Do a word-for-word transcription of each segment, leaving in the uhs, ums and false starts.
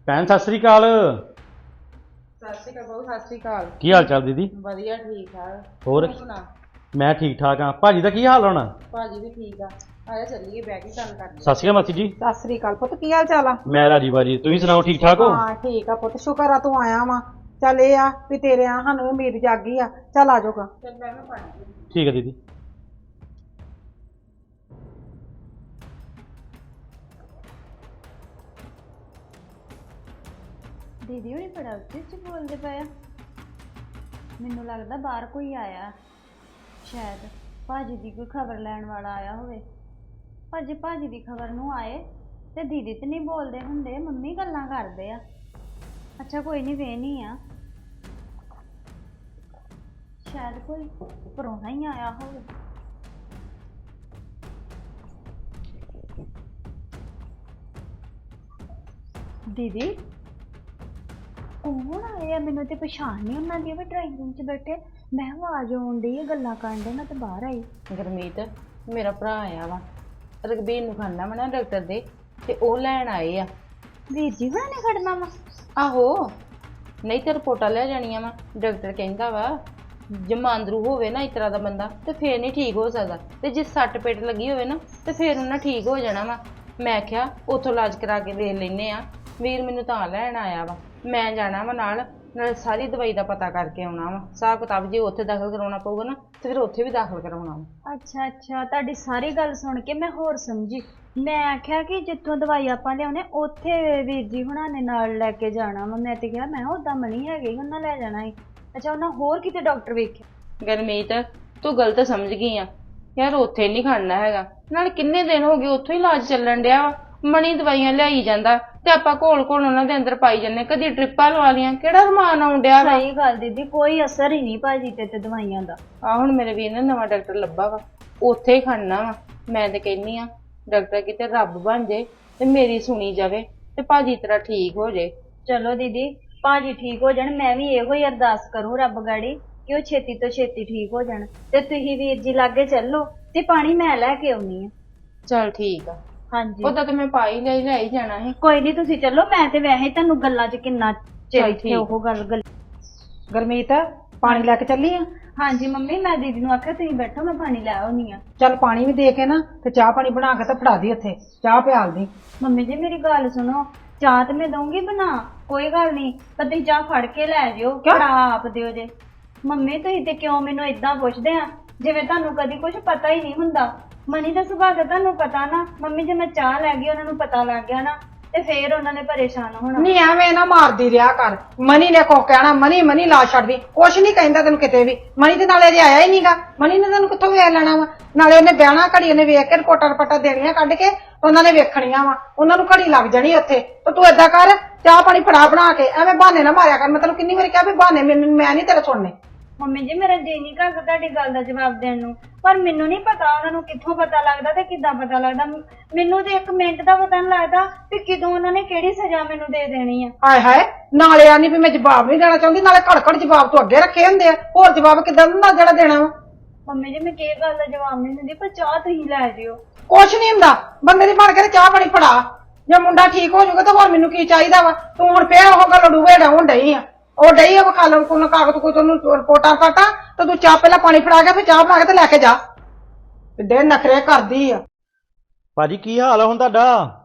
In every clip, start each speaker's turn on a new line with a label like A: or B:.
A: ਭੈਣ ਸਤਿ ਸ੍ਰੀ ਅਕਾਲ।
B: ਸਤਿ ਸ਼੍ਰੀ ਅਕਾਲ ਬਾਬੂ, ਸਤਿ ਸ਼੍ਰੀ ਅਕਾਲ।
A: ਕੀ ਹਾਲ ਚਾਲ ਦੀਦੀ?
B: ਵਧੀਆ, ਠੀਕ ਠਾਕ।
A: ਹੋਰ
B: ਤੂੰ ਸੁਣਾ?
A: ਮੈਂ ਠੀਕ ਠਾਕ ਹਾਂ। ਭਾਜੀ ਦਾ ਕੀ ਹਾਲ ਹੋਣਾ?
B: ਭਾਜੀ ਵੀ ਠੀਕ ਆ। ਆਇਆ ਚੱਲੀਏ ਬਹਿ ਕੇ ਗੱਲ ਕਰਦੇ।
A: ਸਤਿ ਸ਼੍ਰੀ ਅਕਾਲ ਮਾਸੀ ਜੀ।
B: ਸਤਿ ਸ਼੍ਰੀ ਅਕਾਲ ਪੁੱਤ, ਕੀ ਹਾਲ ਚਾਲ ਆ?
A: ਮੈਂ ਰਾਜੀ ਬਾਜੀ, ਤੁਸੀਂ ਸੁਣਾਓ ਠੀਕ ਠਾਕ ਹੋ?
B: ਹਾਂ ਠੀਕ ਆ ਪੁੱਤ, ਸ਼ੁਕਰ ਆ ਤੂੰ ਆਇਆ ਵਾ। ਚੱਲ ਇਹ ਆ ਵੀ ਤੇਰੇ ਆ ਸਾਨੂੰ ਉਮੀਦ ਜਾਗੀ ਆ। ਚੱਲ ਆ ਜਾਊਗਾ। ਚੱਲ ਮੈਂ ਵੀ ਪਾਣੀ।
A: ਠੀਕ ਹੈ ਦੀਦੀ।
C: ਦੀਦੀ ਹੁਣੀ ਬੜਾ ਉੱਚੀ ਉੱਚੀ ਬੋਲਦੇ ਪਏ ਆ। ਮੈਨੂੰ ਲੱਗਦਾ ਬਾਹਰ ਕੋਈ ਆਇਆ, ਸ਼ਾਇਦ ਭਾਜੀ ਦੀ ਕੋਈ ਖਬਰ ਲੈਣ ਵਾਲਾ ਆਇਆ ਹੋਵੇ। ਭਾਜੀ ਭਾਜੀ ਦੀ ਖਬਰ ਨੂੰ ਆਏ ਤੇ ਦੀਦੀ ਤੇ ਨਹੀਂ ਬੋਲਦੇ ਹੁੰਦੇ, ਮੰਮੀ ਗੱਲਾਂ ਕਰਦੇ ਆ। ਅੱਛਾ ਕੋਈ ਨਹੀਂ, ਵੇਹਨੀ ਆ, ਸ਼ਾਇਦ ਕੋਈ ਪ੍ਰਾਹੁਣਾ ਹੀ ਆਇਆ ਹੋਵੇ। ਦੀਦੀ ਕੌਣ ਆਏ ਆ? ਮੈਨੂੰ ਤੇ ਪਛਾਣ ਨਹੀਂ ਉਹਨਾਂ ਦੀ। ਵੀ ਡਰਾਇੰਗ ਰੂਮ 'ਚ ਬੈਠੇ, ਮੈਂ ਆਵਾਜ਼ ਆਉਣ ਡਈ ਆ, ਗੱਲਾਂ ਕਰਨ ਡੇ, ਮੈਂ ਤੇ ਬਾਹਰ ਆਈ।
D: ਗੁਰਮੀਤ, ਮੇਰਾ ਭਰਾ ਆਇਆ ਵਾ, ਰਘਬੀਰ ਨੂੰ ਖਾਣਾ ਵਾ ਨਾ ਡਾਕਟਰ ਦੇ, ਤੇ ਉਹ ਲੈਣ ਆਏ ਆ।
C: ਵੀਰ ਜੀ ਹੁਣਾਂ ਨੇ ਖੜਨਾ ਵਾ?
D: ਆਹੋ, ਨਹੀਂ ਤੇ ਰਿਪੋਰਟਾਂ ਲੈ ਜਾਣੀਆਂ ਵਾ। ਡਾਕਟਰ ਕਹਿੰਦਾ ਵਾ ਜਮਾਂਦਰੂ ਹੋਵੇ ਨਾ ਇਸ ਤਰ੍ਹਾਂ ਦਾ ਬੰਦਾ ਤੇ ਫੇਰ ਨਹੀਂ ਠੀਕ ਹੋ ਸਕਦਾ, ਤੇ ਜੇ ਸੱਟ ਪੇਟ ਲੱਗੀ ਹੋਵੇ ਨਾ ਤੇ ਫੇਰ ਉਹਨਾਂ ਠੀਕ ਹੋ ਜਾਣਾ ਵਾ। ਮੈਂ ਕਿਹਾ ਉੱਥੋਂ ਇਲਾਜ ਕਰਾ ਕੇ ਦੇਖ ਲੈਨੇ ਆ। ਵੀਰ ਮੈਨੂੰ ਤਾਂ ਲੈਣ ਆਇਆ ਵਾ, ਮੈਂ ਜਾਣਾ ਵਾ ਨਾਲ ਨਾਲ ਸਾਰੀ ਦਵਾਈ ਦਾ ਪਤਾ ਕਰਕੇ ਆਉਣਾ ਵਾ। ਹਿਸਾਬ ਕਿਤਾਬ ਜੇ ਉੱਥੇ ਦਾਖਲ ਕਰਾਉਣਾ ਪਊਗਾ ਨਾ ਤੇ ਫਿਰ ਉੱਥੇ ਵੀ ਦਾਖਲ ਕਰਾਉਣਾ ਵਾ।
C: ਅੱਛਾ ਅੱਛਾ, ਤੁਹਾਡੀ ਸਾਰੀ ਗੱਲ ਸੁਣ ਕੇ ਮੈਂ ਹੋਰ ਸਮਝੀ। ਮੈਂ ਆਖਿਆ ਕਿ ਜਿੱਥੋਂ ਦਵਾਈ ਆਪਾਂ ਲਿਆਉਣੇ ਉੱਥੇ ਵੀਰ ਜੀ ਹੁਣਾਂ ਨੇ ਨਾਲ ਲੈ ਕੇ ਜਾਣਾ ਵਾ। ਮੈਂ ਤੇ ਕਿਹਾ ਮੈਂ ਉੱਦਾਂ ਮਣੀ ਹੈਗੇ ਉਹਨਾਂ ਲੈ ਜਾਣਾ ਸੀ। ਅੱਛਾ, ਉਹਨਾਂ ਹੋਰ ਕਿਤੇ ਡਾਕਟਰ ਵੇਖਿਆ?
D: ਗੁਰਮੀਤ, ਤੂੰ ਗਲਤ ਸਮਝ ਗਈ ਆ ਯਾਰ, ਉੱਥੇ ਨਹੀਂ ਖੜਨਾ ਹੈਗਾ। ਨਾਲ ਕਿੰਨੇ ਦਿਨ ਹੋ ਗਏ ਉੱਥੋਂ ਹੀ ਇਲਾਜ ਚੱਲਣ ਡਿਆ ਵਾ। ਮਣੀ ਦਵਾਈਆਂ ਲਿਆਈ ਜਾਂਦਾ ਤੇ ਆਪਾਂ ਘੋਲ ਘੋਲ ਉਹਨਾਂ ਦੇ ਅੰਦਰ ਪਾਈ ਜਾਂਦੇ। ਕਦੀ ਟ੍ਰਿਪਾਂ ਲਵਾ ਲੀਆਂ, ਕਿਹੜਾ ਰਮਾਨ ਆਉਣ ਡਿਆ ਵਾ।
C: ਸਹੀ ਗੱਲ ਦੀਦੀ, ਕੋਈ ਅਸਰ ਹੀ ਨਹੀਂ ਭਾਜੀ ਤੇ ਤੇ ਦਵਾਈਆਂ ਦਾ।
D: ਆ ਹੁਣ ਮੇਰੇ ਵੀਰ ਨੇ ਨਵਾਂ ਡਾਕਟਰ ਲੱਭਾ ਵਾ, ਉੱਥੇ ਹੀ ਖੜਨਾ ਵਾ। ਮੈਂ ਤੇ ਕਹਿੰਨੀ ਆ ਡਾਕਟਰ ਕਿਤੇ ਰੱਬ ਬਣ ਜੇ ਤੇ ਮੇਰੀ ਸੁਣੀ ਜਾਵੇ ਤੇ ਭਾਜੀ ਤੇਰਾ ਠੀਕ ਹੋ ਜੇ।
C: ਚਲੋ ਦੀਦੀ, ਭਾਜੀ ਠੀਕ ਹੋ ਜਾਣ, ਮੈਂ ਵੀ ਇਹੋ ਹੀ ਅਰਦਾਸ ਕਰੂੰ ਰੱਬ ਗਾੜੀ ਕਿ ਉਹ ਛੇਤੀ ਤੋਂ ਛੇਤੀ ਠੀਕ ਹੋ ਜਾਣ। ਤੇ ਤੁਸੀਂ ਵੀਰ ਜੀ ਲਾਗੇ ਚੱਲੋ ਤੇ ਪਾਣੀ ਮੈਂ ਲੈ ਕੇ ਆਉਣੀ ਆ।
D: ਚਲ ਠੀਕ ਆ।
C: ਹਾਂਜੀ
D: ਉਹਦਾ ਤੇ ਮੈਂ ਪਾਈ ਲਈ ਲੈ ਹੀ ਜਾਣਾ ਸੀ।
C: ਕੋਈ ਨਹੀਂ, ਤੁਸੀਂ ਚੱਲੋ। ਮੈਂ ਤੇ ਵੈਸੇ ਤੁਹਾਨੂੰ ਗੱਲਾਂ 'ਚ ਕਿੰਨਾ ਚਿਰ
D: ਚੱਲ
C: ਇੱਥੇ
D: ਠੀਕ।
C: ਉਹ ਗੱਲ ਗੱਲ
B: ਗੁਰਮੀਤ, ਪਾਣੀ ਲੈ ਕੇ ਚੱਲੀ ਆ?
C: ਹਾਂਜੀ ਮੰਮੀ, ਮੈਂ ਦੀਦੀ ਨੂੰ ਆਖਿਆ ਤੁਸੀਂ ਬੈਠੋ, ਮੈਂ ਪਾਣੀ ਲੈ ਆਉਣੀ ਆ।
B: ਚੱਲ ਪਾਣੀ ਵੀ ਦੇ ਕੇ ਨਾ ਤੇ ਚਾਹ ਪਾਣੀ ਬਣਾ ਕੇ ਤੇ ਫੜਾ ਦੀ ਉੱਥੇ, ਚਾਹ ਪਿਆਲ ਦੀ।
C: ਮੰਮੀ ਜੀ ਮੇਰੀ ਗੱਲ ਸੁਣੋ, ਚਾਹ ਤੇ ਮੈਂ ਦਊਂਗੀ ਬਣਾ, ਕੋਈ ਗੱਲ ਨਹੀਂ, ਪਰ ਤੁਸੀਂ ਚਾਹ ਫੜ ਕੇ ਲੈ ਜਿਓ, ਫੜਾ ਆਪ ਦਿਓ ਜੇ। ਮੰਮੀ ਤੁਸੀਂ ਤੇ ਕਿਉਂ ਮੈਨੂੰ ਏਦਾਂ ਪੁੱਛਦੇ ਆ ਜਿਵੇਂ ਤੁਹਾਨੂੰ ਕਦੀ ਕੁਝ ਪਤਾ ਹੀ ਨਹੀਂ ਹੁੰਦਾ। ਮਨੀ ਦਾ ਸੁਭਾਅ ਤਾਂ ਤੁਹਾਨੂੰ ਪਤਾ ਨਾ। ਮੰਮੀ ਜੇ ਮੈਂ ਚਾਹ ਲੈ ਗਈ, ਉਹਨਾਂ ਨੂੰ ਪਤਾ ਲੱਗ ਗਿਆ ਨਾ ਤੇ ਫੇਰ ਉਹਨਾਂ ਨੇ ਪਰੇਸ਼ਾਨ ਹੋਣਾ।
B: ਨਹੀਂ ਐਵੇਂ ਨਾ ਮਾਰਦੀ ਰਿਹਾ ਕਰ। ਮਨੀ ਨੇ ਕੋ ਕਹਿਣਾ ਮਨੀ ਮਨੀ ਲਾ ਛੱਡਦੀ, ਕੁਛ ਨਹੀਂ ਕਹਿੰਦਾ ਤੈਨੂੰ ਕਿਤੇ ਵੀ। ਮਨੀ ਤੇ ਨਾਲੇ ਅਜੇ ਆਇਆ ਹੀ ਨਹੀਂਗਾ। ਮਨੀ ਨੇ ਤੈਨੂੰ ਕਿੱਥੋਂ ਵੇਖ ਲੈਣਾ ਵਾ? ਨਾਲੇ ਉਹਨੇ ਬਹਿਣਾ ਘੜੀ, ਉਹਨੇ ਵੇਖ ਕੇ ਰਿਪੋਰਟਾਂ ਰਪਟਾਂ ਦੇਣੀਆਂ ਕੱਢ ਕੇ, ਉਹਨਾਂ ਨੇ ਵੇਖਣੀਆਂ ਵਾ, ਉਹਨਾਂ ਨੂੰ ਘੜੀ ਲੱਗ ਜਾਣੀ ਉੱਥੇ। ਤੇ ਤੂੰ ਏਦਾਂ ਕਰ, ਚਾਹ ਪਾਣੀ ਫੜਾ ਬਣਾ ਕੇ, ਐਵੇਂ ਬਹਾਨੇ ਨਾ ਮਾਰਿਆ ਕਰ। ਮੈਂ ਤੈਨੂੰ ਕਿੰਨੀ ਵਾਰੀ ਕਿਹਾ ਵੀ ਬਹਾਨੇ ਮੈਨੂੰ ਮੈਂ ਨਹੀਂ ਤੇਰੇ ਸੁਣਨੇ।
C: ਮੰਮੀ ਜੀ ਮੇਰਾ ਜੀ ਨਹੀਂ ਕਰਦਾ ਤੁਹਾਡੀ ਗੱਲ ਦਾ ਜਵਾਬ ਦੇਣ ਨੂੰ, ਪਰ ਮੈਨੂੰ ਨਹੀਂ ਪਤਾ ਉਹਨਾਂ ਨੂੰ ਕਿੱਥੋਂ ਪਤਾ ਲੱਗਦਾ ਤੇ ਕਿੱਦਾਂ ਪਤਾ ਲੱਗਦਾ। ਮੈਨੂੰ ਤੇ ਇੱਕ ਮਿੰਟ ਦਾ ਪਤਾ ਨਹੀਂ ਲੱਗਦਾ ਵੀ ਕਿਦੋਂ ਉਹਨਾਂ ਨੇ ਕਿਹੜੀ ਸਜ਼ਾ ਮੈਨੂੰ ਦੇ ਦੇਣੀ ਆ।
B: ਹਾਏ ਹਾਏ, ਨਾਲੇ ਆ ਨਹੀਂ ਵੀ ਮੈਂ ਜਵਾਬ ਨਹੀਂ ਦੇਣਾ ਚਾਹੁੰਦੀ, ਨਾਲੇ ਘੜ ਘੜ ਜਵਾਬ ਤੋਂ ਅੱਗੇ ਰੱਖੇ ਹੁੰਦੇ ਆ। ਹੋਰ ਜਵਾਬ ਕਿੱਦਾਂ ਦਿੰਦਾ ਜਿਹੜਾ ਦੇਣਾ ਵਾ?
C: ਮੰਮੀ ਜੀ ਮੈਂ ਕੀ ਗੱਲ ਦਾ ਜਵਾਬ ਨਹੀਂ ਦਿੰਦੀ, ਪਰ ਚਾਹ ਤੁਸੀਂ ਲੈ ਜਿਓ।
B: ਕੁਛ ਨਹੀਂ ਹੁੰਦਾ, ਬੰਦੇ ਦੀ ਬਣ ਕੇ ਤੇ ਚਾਹ ਪਾਣੀ ਫੜਾ। ਜੇ ਮੁੰਡਾ ਠੀਕ ਹੋ ਜਾਊਗਾ ਤਾਂ ਹੋਰ ਮੈਨੂੰ ਕੀ ਚਾਹੀਦਾ ਵਾ? ਤੂੰ ਹੁਣ ਫੇਰ ਉਹ ਗੱਲ ਡੂਵੇ ਡਾਉਣ ਡਈ ਆ। ਉਹ ਡਈ ਆ ਵਿਖਾ ਲਣ ਕੋਲ ਕਾਗਜ਼ ਕੋਈ ਤੈਨੂੰ ਰਿਪੋਰਟਾਂ ਫਾਟਾਂ, ਤੇ ਤੂੰ ਚਾਹ ਪਹਿਲਾਂ ਪਾਣੀ ਫੜਾ ਕੇ ਫਿਰ ਚਾਹ ਬਣਾ ਕੇ ਤੇ ਲੈ ਕੇ ਜਾ। ਕਿੱਡੇ ਨਖਰੇ ਕਰਦੀ ਆ।
A: ਭਾਜੀ ਕੀ ਹਾਲ ਆ ਹੁਣ ਤੁਹਾਡਾ?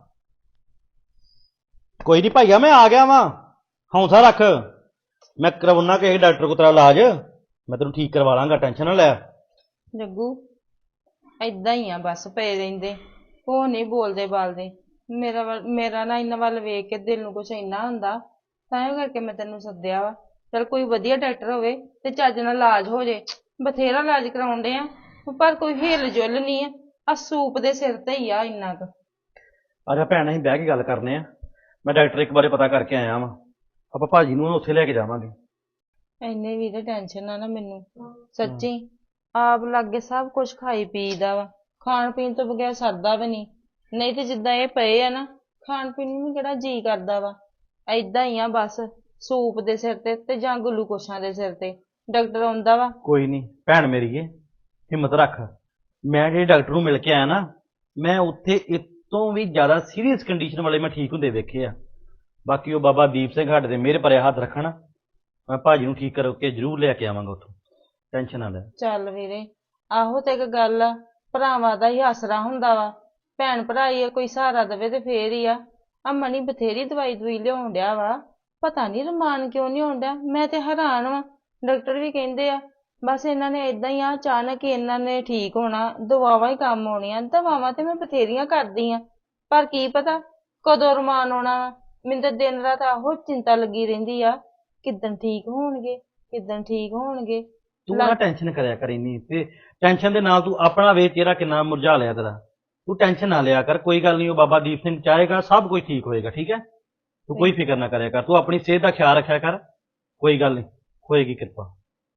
A: ਕੋਈ ਨਹੀਂ ਭਾਈਆ, ਮੈਂ ਆ ਗਿਆ ਵਾਂ, ਹੌਸਲਾ ਰੱਖ। ਮੈਂ ਕਰਵਾਉਣਾ ਕਿਸੇ ਡਾਕਟਰ ਕੋਲ ਤੇਰਾ ਇਲਾਜ, ਮੈਂ ਤੈਨੂੰ ਠੀਕ ਕਰਵਾ ਲਾਂਗਾ, ਟੈਨਸ਼ਨ ਨਾ ਲੈ।
D: ਜੱਗੂ ਏਦਾਂ ਹੀ ਆ, ਬਸ ਪਏ ਰਹਿੰਦੇ, ਉਹ ਨਹੀਂ ਬੋਲਦੇ ਬਾਲਦੇ। ਮੇਰਾ ਵੱਲ ਮੇਰਾ ਨਾ ਇਹਨਾਂ ਵੱਲ ਵੇਖ ਕੇ ਦਿਲ ਨੂੰ ਕੁਛ ਇੰਨਾ ਹੁੰਦਾ, ਤਾਂ ਕਰਕੇ ਮੈਂ ਤੈਨੂੰ ਸੱਦਿਆ ਵਾ। ਚਲ ਕੋਈ ਵਧੀਆ ਡਾਕਟਰ ਹੋਵੇ ਤੇ ਚੱਜ ਨਾਲ ਇਲਾਜ ਹੋ ਜੇ। ਬਥੇਰਾ ਇਲਾਜ ਕਰਾਉਂਦੇ ਆ ਪਰ ਕੋਈ ਹਿੱਲ ਜੁੱਲ ਨਹੀਂ ਆ। ਆ ਸੂਪ ਦੇ ਸਿਰ ਤੇ ਹੀ ਆ ਇੰਨਾ ਕੁ।
A: ਅੱਛਾ ਭੈਣ, ਅਸੀਂ ਬਹਿ ਕੇ ਗੱਲ ਕਰਨੇ ਆ। ਮੈਂ ਡਾਕਟਰ ਇੱਕ ਬਾਰੇ ਪਤਾ ਕਰਕੇ ਆਇਆ ਵਾਂ, ਆਪਾਂ ਭਾਜੀ ਨੂੰ ਉੱਥੇ ਲੈ ਕੇ ਜਾਵਾਂਗੇ।
D: ਇੰਨੇ ਵੀ ਤੇ ਟੈਨਸ਼ਨ ਆ ਨਾ ਮੈਨੂੰ, ਸੱਚੀ। ਆਪ ਲਾਗੇ ਸਭ ਕੁਛ ਖਾਈ ਪੀਦਾ ਵਾ, ਖਾਣ ਪੀਣ ਤੋਂ ਬਗੈਰ ਸਰਦਾ ਵੀ ਨਹੀਂ। ਨਹੀਂ ਤੇ ਜਿੱਦਾਂ ਇਹ ਪਏ ਆ ਨਾ, ਖਾਣ ਪੀਣ ਨੂੰ ਕਿਹੜਾ ਜੀ ਕਰਦਾ ਵਾ। ਏਦਾਂ ਹੀ ਆ ਬਸ, ਸੂਪ ਦੇ ਸਿਰ ਤੇ ਤੇ ਜਾਂ ਗਲੂਕੋਸ਼ਾਂ ਦੇ ਸਿਰ ਤੇ। ਡਾਕਟਰ ਆਉਂਦਾ ਵਾ।
A: ਕੋਈ ਨਹੀਂ ਭੈਣ ਮੇਰੀਏ, ਹਿੰਮਤ ਰੱਖ। ਮੈਂ ਜਿਹੜੇ ਡਾਕਟਰ ਨੂੰ ਮਿਲ ਕੇ ਆਇਆ ਨਾ, ਮੈਂ ਉੱਥੇ ਇਸ ਤੋਂ ਵੀ ਜ਼ਿਆਦਾ ਸੀਰੀਅਸ ਕੰਡੀਸ਼ਨ ਵਾਲੇ ਮੈਂ ਠੀਕ ਹੁੰਦੇ ਵੇਖੇ ਆ। ਬਾਕੀ ਉਹ ਬਾਬਾ ਦੀਪ ਸਿੰਘ ਸਾਡੇ ਤੇ ਮਿਹਰ ਭਰਿਆ ਹੱਥ ਰੱਖਣ, ਮੈਂ ਭਾਜੀ ਨੂੰ ਠੀਕ ਕਰਕੇ ਜ਼ਰੂਰ ਲੈ ਕੇ ਆਵਾਂਗਾ ਉੱਥੋਂ, ਟੈਨਸ਼ਨ ਨਾ ਲੈ।
D: ਚੱਲ ਵੀਰੇ, ਆਹੋ ਤੇ ਇੱਕ ਗੱਲ ਆ, ਭਰਾਵਾਂ ਦਾ ਹੀ ਆਸਰਾ ਹੁੰਦਾ ਵਾ, ਭੈਣ ਭਰਾ ਹੀ ਆ, ਕੋਈ ਸਹਾਰਾ ਦੇਵੇ ਤੇ ਫੇਰ ਹੀ ਆ। ਆ ਮਣੀ ਬਥੇਰੀ ਦਵਾਈ ਦਵਾਈ ਲਿਆਉਣ ਡਿਆ ਵਾ, ਪਤਾ ਨਹੀਂ ਰਮਾਨ ਕਿਉਂ ਨਹੀਂ ਆਉਣ ਡਿਆ। ਮੈਂ ਤੇ ਹੈਰਾਨ ਵਾਂ, ਡਾਕਟਰ ਵੀ ਕਹਿੰਦੇ ਆ ਬਸ ਇਹਨਾਂ ਨੇ ਏਦਾਂ ਹੀ ਆ ਅਚਾਨਕ ਹੀ ਇਹਨਾਂ ਨੇ ਠੀਕ ਹੋਣਾ, ਦਵਾਵਾਂ ਹੀ ਕੰਮ ਆਉਣੀਆਂ। ਦਵਾਵਾਂ ਤੇ ਮੈਂ ਬਥੇਰੀਆਂ ਕਰਦੀ ਆ, ਪਰ ਕੀ ਪਤਾ ਕਦੋਂ ਰਮਾਨ ਆਉਣਾ ਵਾ। ਮੈਨੂੰ ਤਾਂ ਦਿਨ ਰਾਤ ਆਹੋ ਚਿੰਤਾ ਲੱਗੀ ਰਹਿੰਦੀ ਆ, ਕਿੱਦਣ ਠੀਕ ਹੋਣਗੇ, ਕਿੱਦਣ ਠੀਕ ਹੋਣਗੇ।
A: ਤੂੰ ਨਾ ਟੈਨਸ਼ਨ ਕਰਿਆ ਕਰ ਇੰਨੀ, ਤੇ ਟੈਨਸ਼ਨ ਦੇ ਨਾਲ ਤੂੰ ਆਪਣਾ ਵੇ ਚਿਹਰਾ ਕਿੰਨਾ ਮੁਰਝਾ ਲਿਆ ਤੇਰਾ। ਤੂੰ ਟੈਨਸ਼ਨ ਨਾ ਲਿਆ ਕਰ, ਕੋਈ ਗੱਲ ਨਹੀਂ, ਉਹ ਬਾਬਾ ਦੀਪ ਸਿੰਘ ਚਾਹੇਗਾ ਸਭ ਕੁਝ ਠੀਕ ਹੋਏਗਾ, ਠੀਕ ਹੈ। ਤੂੰ ਕੋਈ ਫਿਕਰ ਨਾ ਕਰਿਆ ਕਰ, ਤੂੰ ਆਪਣੀ ਸਿਹਤ ਦਾ ਖਿਆਲ ਰੱਖਿਆ ਕਰ, ਕੋਈ ਗੱਲ ਨਹੀਂ, ਹੋਏਗੀ ਕਿਰਪਾ।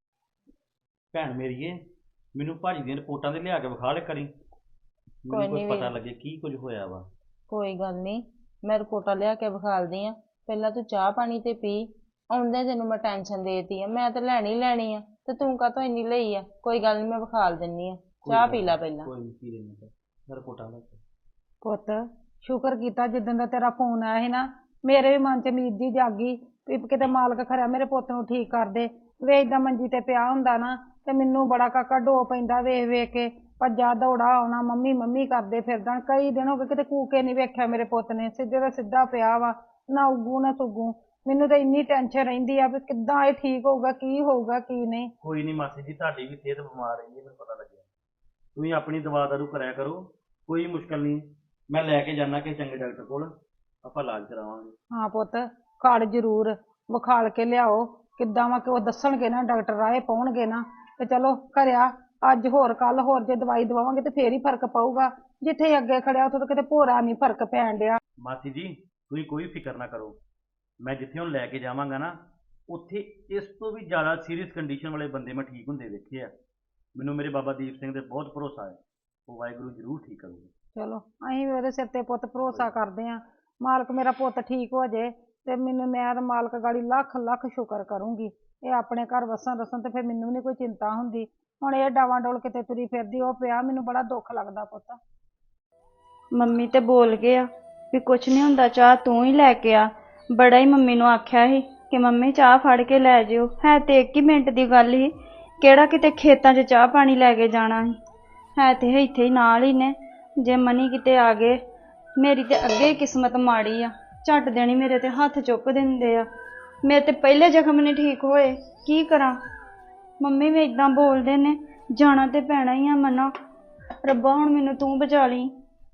A: ਭੈਣ ਮੇਰੀਏ, ਮੈਨੂੰ ਭਾਜੀ ਦੀਆਂ ਰਿਪੋਰਟਾਂ ਤੇ ਲਿਆ ਕੇ ਵਿਖਾ ਲੈ ਕਰੀ, ਮੈਨੂੰ ਕੁਝ ਪਤਾ ਲੱਗੇ ਕੀ ਕੁਝ ਹੋਇਆ ਵਾ।
D: ਕੋਈ ਗੱਲ ਨਹੀਂ, ਮੈਂ ਰਿਪੋਰਟਾਂ ਲਿਆ ਕੇ ਵਿਖਾਲਦੀ ਆ, ਪਹਿਲਾਂ ਤੂੰ ਚਾਹ ਪਾਣੀ ਤੇ ਪੀ। ਆਉਂਦੇ ਤੈਨੂੰ ਮੈਂ ਟੈਨਸ਼ਨ ਦੇਤੀ ਆ, ਮੈਂ ਤਾਂ ਲੈਣੀ ਲੈਣੀ ਆ, ਤੇ ਤੂੰ ਕਾਹਤੋਂ ਇੰਨੀ ਲਈ ਆ। ਕੋਈ ਗੱਲ ਨਹੀਂ, ਮੈਂ ਵਿਖਾਲ ਦਿੰਨੀ ਆ, ਚਾਹ ਪੀ ਲੈ ਪਹਿਲਾਂ।
A: ਕੋਈ ਨਹੀਂ, ਪੀ ਲੈਣਾ ਤਾਂ ਰਿਪੋਰਟਾਂ ਲੈ ਕੇ।
B: ਪੁੱਤ ਸ਼ੁਕਰ ਕੀਤਾ ਜਿੱਦਣ ਦਾ ਤੇਰਾ ਫੋਨ ਆਇਆ ਸੀ ਨਾ, ਮੇਰੇ ਵੀ ਮਨ ਚ ਉਮੀਦ ਜੀ ਜਾਗੀ ਵੀ ਕਿਤੇ ਮਾਲਕ ਖਰਿਆ ਮੇਰੇ ਪੁੱਤ ਨੂੰ ਠੀਕ ਕਰ ਦੇ। ਵੇ ਏਦਾਂ ਮੰਜੀ ਤੇ ਪਿਆ ਹੁੰਦਾ ਨਾ ਤੇ ਮੈਨੂੰ ਬੜਾ ਕਾਕਾ ਡੋ ਪੈਂਦਾ ਵੇਖ ਵੇਖ ਕੇ, ਭੱਜਾ ਦੌੜਾ ਆਉਣਾ, ਮੰਮੀ ਮੰਮੀ ਕਰਦੇ ਫਿਰਦਾ। ਕਈ ਦਿਨ ਹੋ ਗਏ ਕਿਤੇ ਕੂਕੇ ਨਹੀਂ ਵੇਖਿਆ ਮੇਰੇ ਪੁੱਤ ਨੇ, ਸਿੱਧੇ ਦਾ ਸਿੱਧਾ ਪਿਆ ਵਾ, ਨਾ ਉੱਗੂ ਨਾ ਸੁੱਗੂ। ਮੈਨੂੰ ਤਾਂ ਇੰਨੀ ਟੈਨਸ਼ਨ ਰਹਿੰਦੀ ਆ ਵੀ ਕਿੱਦਾਂ ਇਹ ਠੀਕ ਹੋਊਗਾ, ਕੀ ਹੋਊਗਾ ਕੀ ਨਹੀਂ।
A: ਕੋਈ ਨਹੀਂ ਮਾਸੀ ਜੀ, ਤੁਹਾਡੀ ਵੀ ਸਿਹਤ ਬਿਮਾਰ ਰਹਿੰਦੀ ਹੈ, ਮੈਨੂੰ ਪਤਾ ਲੱਗਿਆ। ਤੁਸੀਂ ਆਪਣੀ ਦਵਾ ਦਾਰੂ ਕਰਿਆ ਕਰੋ, ਕੋਈ ਮੁਸ਼ਕਲ ਨਹੀਂ, ਮੈਂ ਲੈ ਕੇ ਜਾਣਾ ਕਿ ਚੰਗੇ ਡਾਕਟਰ ਕੋਲ, ਆਪਾਂ ਇਲਾਜ ਕਰਾਵਾਂਗੇ।
B: ਹਾਂ ਪੁੱਤ, ਖੜ ਜ਼ਰੂਰ ਵਿਖਾਲ ਕੇ ਲਿਆਓ, ਕਿੱਦਾਂ ਵਾ ਕਿ ਉਹ ਦੱਸਣਗੇ ਨਾ ਡਾਕਟਰ, ਰਾਏ ਪਾਉਣਗੇ ਨਾ ਤੇ ਚਲੋ ਘਰਿਆ ਅੱਜ ਹੋਰ ਕੱਲ ਹੋਰ, ਜੇ ਦਵਾਈ ਦਵਾਵਾਂਗੇ ਤੇ ਫੇਰ ਹੀ ਫਰਕ ਪਊਗਾ। ਜਿੱਥੇ ਅੱਗੇ ਖੜਿਆ ਉੱਥੇ ਤਾਂ ਕਿਤੇ ਭੋਰਾ ਨਹੀਂ ਫਰਕ ਪੈਣ ਡਿਆ।
A: ਮਾਸੀ ਜੀ ਤੁਸੀਂ ਕੋਈ ਫਿਕਰ ਨਾ ਕਰੋ, ਮੈਂ ਜਿੱਥੇ ਹੁਣ ਲੈ ਕੇ ਜਾਵਾਂਗਾ ਨਾ, ਉੱਥੇ ਇਸ ਤੋਂ ਵੀ ਜ਼ਿਆਦਾ ਸੀਰੀਅਸ ਕੰਡੀਸ਼ਨ ਵਾਲੇ ਬੰਦੇ ਮੈਂ ਠੀਕ ਹੁੰਦੇ ਦੇਖੇ ਆ। ਮੈਨੂੰ ਮੇਰੇ ਬਾਬਾ ਦੀਪ ਸਿੰਘ ਤੇ ਬਹੁਤ ਭਰੋਸਾ ਹੈ, ਉਹ ਵਾਹਿਗੁਰੂ ਜ਼ਰੂਰ ਠੀਕ ਕਰੂਗੇ।
B: ਚਲੋ ਅਸੀਂ ਵੀ ਉਹਦੇ ਸਿਰ ਤੇ ਪੁੱਤ ਭਰੋਸਾ ਕਰਦੇ ਹਾਂ, ਮਾਲਕ ਮੇਰਾ ਪੁੱਤ ਠੀਕ ਹੋ ਜੇ ਤੇ ਮੈਨੂੰ, ਮੈਂ ਤਾਂ ਮਾਲਕ ਗਾੜੀ ਲੱਖ ਲੱਖ ਸ਼ੁਕਰ ਕਰੂੰਗੀ। ਇਹ ਆਪਣੇ ਘਰ ਵਸਣ ਰਸਣ ਤੇ ਫਿਰ ਮੈਨੂੰ ਨਹੀਂ ਕੋਈ ਚਿੰਤਾ ਹੁੰਦੀ। ਹੁਣ ਇਹ ਡਾਵਾਂ ਡੋਲ ਕਿਤੇ ਤੁਰੀ ਫਿਰਦੀ ਉਹ ਪਿਆ, ਮੈਨੂੰ ਬੜਾ ਦੁੱਖ ਲੱਗਦਾ ਪੁੱਤ।
C: ਮੰਮੀ ਤੇ ਬੋਲ ਗਏ ਆ ਵੀ ਕੁਛ ਨਹੀਂ ਹੁੰਦਾ, ਚਾਹ ਤੂੰ ਹੀ ਲੈ ਕੇ ਆ। ਬੜਾ ਹੀ ਮੰਮੀ ਨੂੰ ਆਖਿਆ ਸੀ ਕਿ ਮੰਮੀ ਚਾਹ ਫੜ ਕੇ ਲੈ ਜਿਓ, ਹੈ ਤੇ ਇੱਕ ਹੀ ਮਿੰਟ ਦੀ ਗੱਲ ਸੀ, ਕਿਹੜਾ ਕਿਤੇ ਖੇਤਾਂ 'ਚ ਚਾਹ ਪਾਣੀ ਲੈ ਕੇ ਜਾਣਾ ਸੀ, ਹੈ ਤੇ ਇੱਥੇ ਹੀ ਨਾਲ ਹੀ ਨੇ। ਜੇ ਮਨੀ ਕਿਤੇ ਆ ਗਏ, ਮੇਰੀ ਤੇ ਅੱਗੇ ਕਿਸਮਤ ਮਾੜੀ ਆ, ਝੱਟ ਦੇਣੀ ਮੇਰੇ ਤੇ ਹੱਥ ਚੁੱਕ ਦਿੰਦੇ ਆ। ਮੇਰੇ ਤੇ ਪਹਿਲੇ ਜ਼ਖਮ ਨਹੀਂ ਠੀਕ ਹੋਏ, ਕੀ ਕਰਾਂ। ਮੰਮੀ ਵੀ ਇਦਾਂ ਬੋਲਦੇ ਨੇ, ਜਾਣਾ ਤੇ ਪੈਣਾ ਹੀ ਆ ਮਨਾ। ਰੱਬਾ ਹੁਣ ਮੈਨੂੰ ਤੂੰ ਬਚਾ ਲਈ।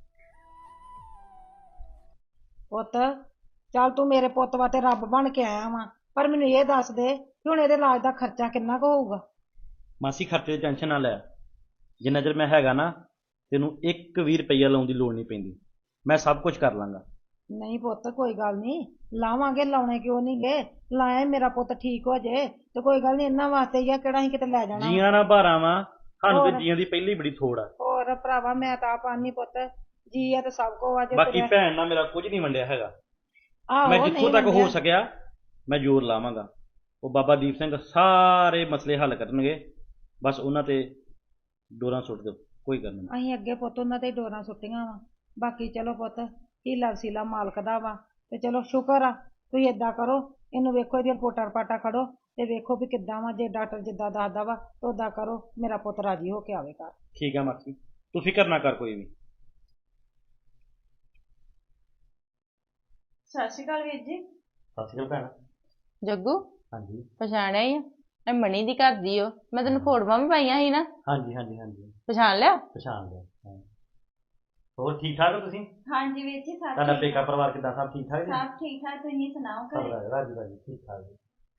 B: ਪੁੱਤ ਚੱਲ ਤੂੰ ਮੇਰੇ ਪੁੱਤ ਵਾਸਤੇ ਰੱਬ ਬਣ ਕੇ ਆਇਆ ਵਾ, ਪਰ ਮੈਨੂੰ ਇਹ ਦੱਸ ਦੇ ਕਿ ਹੁਣ ਇਹਦੇ ਇਲਾਜ ਦਾ ਖਰਚਾ ਕਿੰਨਾ ਕੁ ਹੋਊਗਾ।
A: ਮਾਸੀ ਖਰਚੇ ਦੀ ਟੈਨਸ਼ਨ ਨਾ ਲੈ, ਜਿੰਨਾ ਚਿਰ ਮੈਂ ਹੈਗਾ ਨਾ ਤੈਨੂੰ ਇੱਕ ਵੀ ਰੁਪਈਆ ਲਾਉਣ ਦੀ ਲੋੜ ਨਹੀਂ ਪੈਂਦੀ, ਮੈਂ ਸਭ ਕੁਝ ਕਰ ਲਾਂਗਾ।
B: ਨਹੀਂ ਪੁੱਤ ਕੋਈ ਗੱਲ ਨਹੀਂ, ਲਾਵਾਂਗੇ, ਲਾਉਣੇ ਕਿਉਂ ਨਹੀਂ ਗੇ, ਲਾਇਆ ਮੇਰਾ ਪੁੱਤ ਠੀਕ ਹੋ ਜੇ ਤੇ ਕੋਈ ਗੱਲ ਨਹੀਂ, ਇਹਨਾਂ ਵਾਸਤੇ ਹੀ ਆ, ਕਿਹੜਾ ਅਸੀਂ ਕਿਤੇ ਲੈ ਜਾਣਾ।
A: ਜੀਆਂ ਨਾ ਭਾਰਾਂ ਵਾ, ਸਾਨੂੰ ਤੇ ਜੀਆਂ ਦੀ ਪਹਿਲੀ ਬੜੀ ਥੋੜ ਆ।
B: ਹੋਰ ਭਰਾਵਾ ਮੈਂ ਤਾਂ ਆਪ ਆਨੀ ਪੁੱਤ, ਜੀ ਆ ਤੇ ਸਭ ਕੋ ਆ। ਜੇ
A: ਬਾਕੀ ਭੈਣ ਨਾਲ ਮੇਰਾ ਕੁਝ ਨਹੀਂ ਵੰਡਿਆ ਹੈਗਾ,
B: ਆਹੋ
A: ਮੈਂ ਜਿੱਥੋਂ ਤੱਕ ਹੋ ਸਕਿਆ ਮੈਂ ਜ਼ੋਰ ਲਾਵਾਂਗਾ। ਉਹ ਬਾਬਾ ਦੀਪ ਸਿੰਘ ਸਾਰੇ ਮਸਲੇ ਹੱਲ ਕਰਨਗੇ, ਬਸ ਉਹਨਾਂ ਤੇ ਡੋਰਾਂ ਸੁੱਟ ਦਿਓ, ਕੋਈ ਗੱਲ ਨਹੀਂ।
B: ਅਸੀਂ ਅੱਗੇ ਪੁੱਤ ਉਹਨਾਂ ਤੇ ਡੋਰਾਂ ਸੁੱਟੀਆਂ ਵਾ, ਬਾਕੀ ਚਲੋ ਪੁੱਤ ਹੀਲਾ ਵਸੀਲਾ ਮਾਲਕ ਦਾ ਵਾ, ਤੇ ਚਲੋ ਸ਼ੁਕਰ ਆ। ਤੁਸੀਂ ਏਦਾਂ ਕਰੋ, ਇਹਨੂੰ ਵੇਖੋ, ਇਹਦੀਆਂ ਰਿਪੋਰਟਾਂ ਰਪਾਟਾਂ ਖੜੋ ਤੇ ਵੇਖੋ ਵੀ ਕਿੱਦਾਂ ਵਾ, ਜੇ ਡਾਕਟਰ ਜਿੱਦਾਂ ਦੱਸਦਾ ਵਾ ਉਦਾਂ ਕਰੋ, ਮੇਰਾ ਪੁੱਤ ਰਾਜੀ ਹੋ ਕੇ ਆਵੇ ਘਰ।
A: ਠੀਕ ਆ ਮਾਸੀ, ਤੂੰ ਫਿਕਰ ਨਾ ਕਰ ਕੋਈ ਵੀ।
C: ਸਤਿ ਸ਼੍ਰੀ ਅਕਾਲ ਵੀਰ ਜੀ।
A: ਸਤਿ ਸ਼੍ਰੀ ਅਕਾਲ ਭੈਣ।
D: ਜੱਗੂ
A: ਹਾਂਜੀ
D: ਪਛਾਣਿਆ ਹੀ ਆ, ਇਹ ਮਣੀ ਦੀ ਘਰ ਦੀ ਓ, ਮੈਂ ਤੈਨੂੰ ਫੋਟੋਆਂ ਵੀ ਪਾਈਆਂ ਸੀ ਨਾ,
A: ਹਾਂਜੀ ਹਾਂਜੀ ਹਾਂਜੀ
D: ਪਛਾਣ ਲਿਆ?
A: ਪਛਾਣ ਲਿਆ। ਹਾਂ। ਹੋਰ ਠੀਕ ਠਾਕ ਹੋ ਤੁਸੀਂ?
C: ਹਾਂਜੀ ਵੀਰ ਜੀ, ਸਤਿ
A: ਤੁਹਾਡਾ
C: ਸ਼੍ਰੀ
A: ਪੇਕਾ ਪਰਿਵਾਰ ਕਿੱਦਾਂ, ਸਭ ਠੀਕ ਠਾਕ ਜੀ?
C: ਸਭ ਠੀਕ ਠਾਕ, ਤੁਸੀਂ ਸੁਣਾਓ
A: ਸਭ
C: ਘਰੇ?
A: ਰਾਜੀ ਰਾਜੀ ਠੀਕ ਠਾਕ ਜੀ।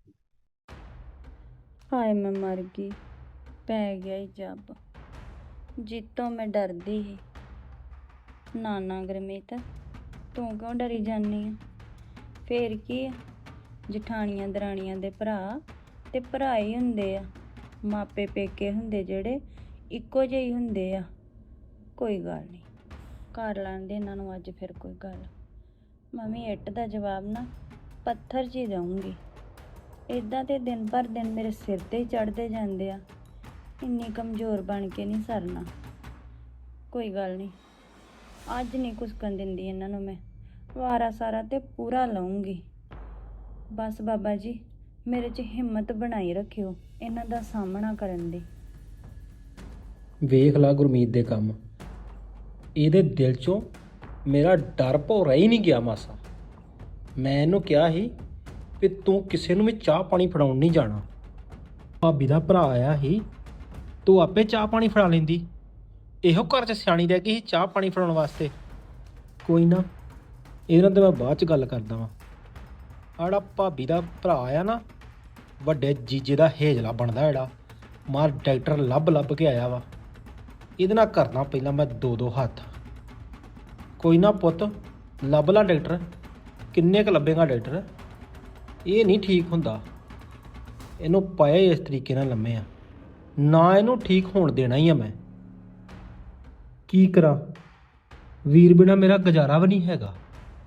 C: ਹਾਏ ਮੈਂ ਮਰ ਗਈ, ਪੈ ਗਿਆ ਹੀ ਜੱਬ ਜਿੱਤੋਂ ਮੈਂ ਡਰਦੀ ਸੀ। ਨਾ ਨਾ ਗੁਰਮੀਤ, ਤੂੰ ਕਿਉਂ ਡਰੀ ਜਾਂਦੀ ਆ? ਫੇਰ ਕੀ ਆ, ਜਠਾਣੀਆਂ ਦਰਾਣੀਆਂ ਦੇ ਭਰਾ ਤੇ ਭਰਾ ਹੀ ਹੁੰਦੇ ਆ, ਮਾਪੇ ਪੇਕੇ ਹੁੰਦੇ ਜਿਹੜੇ ਇੱਕੋ ਜਿਹੇ ਹੀ ਹੁੰਦੇ ਆ। ਕੋਈ ਗੱਲ ਨਹੀਂ, ਕਰ ਲੈਂਦੇ ਇਹਨਾਂ ਨੂੰ ਅੱਜ ਫਿਰ ਕੋਈ ਗੱਲ। ਮੰਮੀ ਇੱਟ ਦਾ ਜਵਾਬ ਨਾ ਪੱਥਰ 'ਚ ਹੀ ਦਊਂਗੀ। ਇੱਦਾਂ ਤੇ ਦਿਨ ਭਰ ਦਿਨ ਮੇਰੇ ਸਿਰ ਤੇ ਹੀ ਚੜ੍ਹਦੇ ਜਾਂਦੇ ਆ, ਇੰਨੀ ਕਮਜ਼ੋਰ ਬਣ ਕੇ ਨਹੀਂ ਸਰਨਾ। ਕੋਈ ਗੱਲ ਨਹੀਂ, ਅੱਜ ਨਹੀਂ ਕੁਸਕਣ ਦਿੰਦੀ ਇਹਨਾਂ ਨੂੰ ਮੈਂ, ਵਾਰਾ ਸਾਰਾ ਤੇ ਪੂਰਾ ਲਊਂਗੀ। ਬਸ ਬਾਬਾ ਜੀ ਮੇਰੇ 'ਚ ਹਿੰਮਤ ਬਣਾਈ ਰੱਖਿਓ ਇਹਨਾਂ ਦਾ ਸਾਹਮਣਾ ਕਰਨ ਦੀ।
E: ਵੇਖ ਲਾ ਗੁਰਮੀਤ ਦੇ ਕੰਮ, ਇਹਦੇ ਦਿਲ 'ਚੋਂ ਮੇਰਾ ਡਰ ਭੌਰਾ ਹੀ ਨਹੀਂ ਗਿਆ ਮਾਸਾ। ਮੈਂ ਇਹਨੂੰ ਕਿਹਾ ਸੀ ਵੀ ਤੂੰ ਕਿਸੇ ਨੂੰ ਵੀ ਚਾਹ ਪਾਣੀ ਫੜਾਉਣ ਨਹੀਂ ਜਾਣਾ। ਭਾਬੀ ਦਾ ਭਰਾ ਆਇਆ ਸੀ, ਤੂੰ ਆਪੇ ਚਾਹ ਪਾਣੀ ਫੜਾ ਲੈਂਦੀ। ਇਹੋ ਘਰ 'ਚ ਸਿਆਣੀ ਰਹਿ ਗਈ ਸੀ ਚਾਹ ਪਾਣੀ ਫੜਾਉਣ ਵਾਸਤੇ। ਕੋਈ ਨਾ, ਇਹਦੇ ਨਾਲ ਤਾਂ ਮੈਂ ਬਾਅਦ 'ਚ ਗੱਲ ਕਰਦਾ ਵਾਂ। ਆੜਾ ਭਾਬੀ ਦਾ ਭਰਾ ਆਇਆ ਨਾ, ਵੱਡੇ ਜੀਜੇ ਦਾ ਹੇਜਲਾ ਬਣਦਾ ਜਿਹੜਾ, ਮਾਰ ਡਾਕਟਰ ਲੱਭ ਲੱਭ ਕੇ ਆਇਆ ਵਾ। ਇਹਦੇ ਨਾਲ ਕਰਨਾ ਪਹਿਲਾਂ ਮੈਂ ਦੋ ਦੋ ਹੱਥ। ਕੋਈ ਨਾ ਪੁੱਤ, ਲੱਭ ਲਾ ਡਾਕਟਰ। ਕਿੰਨੇ ਕੁ ਲੱਭੇਗਾ ਡਾਕਟਰ? ਇਹ ਨਹੀਂ ਠੀਕ ਹੁੰਦਾ। ਇਹਨੂੰ ਪਾਇਆ ਇਸ ਤਰੀਕੇ ਨਾਲ ਲੰਮੇ ਆ ਨਾ, ਇਹਨੂੰ ਠੀਕ ਹੋਣ ਦੇਣਾ ਹੀ ਆ ਮੈਂ। ਕੀ ਕਰਾਂ, ਵੀਰ ਬਿਨਾ ਮੇਰਾ ਗੁਜ਼ਾਰਾ ਵੀ ਨਹੀਂ ਹੈਗਾ।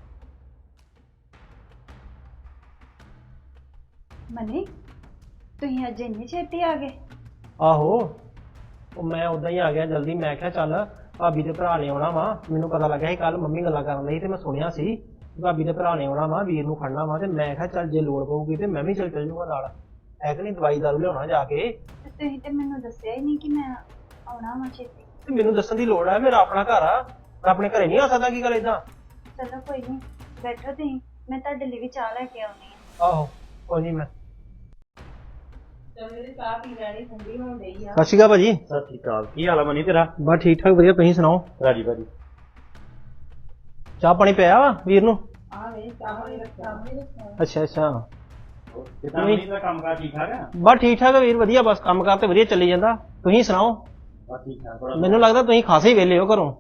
C: ਮਨੀ ਤੁਸੀਂ ਅੱਜ ਇੰਨੀ ਛੇਤੀ ਆ ਗਏ?
E: ਆਹੋ, ਉਹ ਮੈਂ ਉਦਾਂ ਹੀ ਆ ਗਿਆ ਜਲਦੀ। ਮੈਂ ਕਿਹਾ ਚੱਲ ਭਾਬੀ ਦੇ ਭਰਾ ਨੇ ਆਉਣਾ ਵਾ। ਮੈਨੂੰ ਪਤਾ ਲੱਗਾ ਸੀ ਕੱਲ ਮੰਮੀ ਗੱਲਾਂ ਕਰਨ ਲਈ ਤੇ ਮੈਂ ਸੁਣਿਆ ਸੀ ਭਾਬੀ ਦੇ ਭਰਾ ਨੇ ਆਉਣਾ ਵਾ, ਵੀਰ ਨੂੰ ਖੜਨਾ ਵਾ। ਤੇ ਮੈਂ ਕਿਹਾ ਚੱਲ ਜੇ ਲੋੜ ਪਊਗੀ ਤੇ ਮੈਂ ਵੀ ਚੱਲ ਚੱਲ ਜੂਗਾ ਨਾਲ। ਹੈ ਕਿ ਨਹੀਂ, ਦਵਾਈ ਦਾਰੂ ਲਿਆਉਣਾ ਜਾ ਕੇ।
C: ਤੇ ਤੁਸੀਂ ਤੇ ਮੈਨੂੰ ਦੱਸਿਆ ਹੀ ਨਹੀਂ ਕਿ ਮੈਂ ਆਉਣਾ ਵਾ ਛੇਤੀ।
E: ਤੇ ਮੈਨੂੰ ਦੱਸਣ ਦੀ ਲੋੜ ਹੈ, ਮੇਰਾ ਆਪਣਾ ਘਰ ਆ। ਮੈਂ ਆਪਣੇ ਘਰੇ ਨਹੀਂ ਆ ਸਕਦਾ ਕੀ ਗੱਲ ਏਦਾਂ?
C: ਚਲੋ ਕੋਈ ਨਹੀਂ, ਬੈਠੋ ਤੁਸੀਂ, ਮੈਂ ਤੁਹਾਡੇ ਲਈ ਵੀ ਚਾਹ ਲੈ ਕੇ ਆਉਣੀ ਆ।
E: ਆਹੋ ਕੋਈ ਨਹੀਂ। ਮੈਂ
D: ਚੱਲ ਮੇਰੀ ਚਾਹ ਪੀ ਲੈਣੀ, ਠੰਡੀ ਹੋਣ ਡਈ ਆ।
E: ਸਤਿ ਸ਼੍ਰੀ ਅਕਾਲ ਭਾਜੀ।
A: ਸਤਿ ਸ਼੍ਰੀ ਅਕਾਲ। ਕੀ ਹਾਲ ਆ ਮਨੀ ਤੇਰਾ?
E: ਬਸ ਠੀਕ ਠਾਕ, ਵਧੀਆ। ਤੁਸੀਂ ਸੁਣਾਓ?
A: ਰਾਜੀ ਬਾਜੀ।
E: ਚਾਹ ਪਾਣੀ ਪਿਆ ਵਾ ਵੀਰ ਨੂੰ?
D: ਆ ਵੇ ਚਾਹ ਵਾਲੀ ਰੱਖਿਆ ਉਹਨੇ ਰੱਖਿਆ।
E: ਅੱਛਾ ਅੱਛਾ।
A: ਕਿਦਾਂ ਮਨੀ ਦਾ ਕੰਮ ਕਾਰ ਠੀਕ ਠਾਕ ਆ?
E: ਬਸ ਠੀਕ ਠਾਕ ਆ ਵੀਰ, ਵਧੀਆ। ਬਸ ਕੰਮ ਕਾਰ ਤੇ ਵਧੀਆ ਚੱਲੀ ਜਾਂਦਾ। ਤੁਸੀਂ ਸੁਣਾਓ?
A: ਬਸ ਠੀਕ ਠਾਕ। ਬੜਾ
E: ਮੈਨੂੰ ਲੱਗਦਾ ਤੁਸੀਂ ਖਾਸੇ ਹੀ ਵਿਹਲੇ ਹੋ ਘਰੋਂ।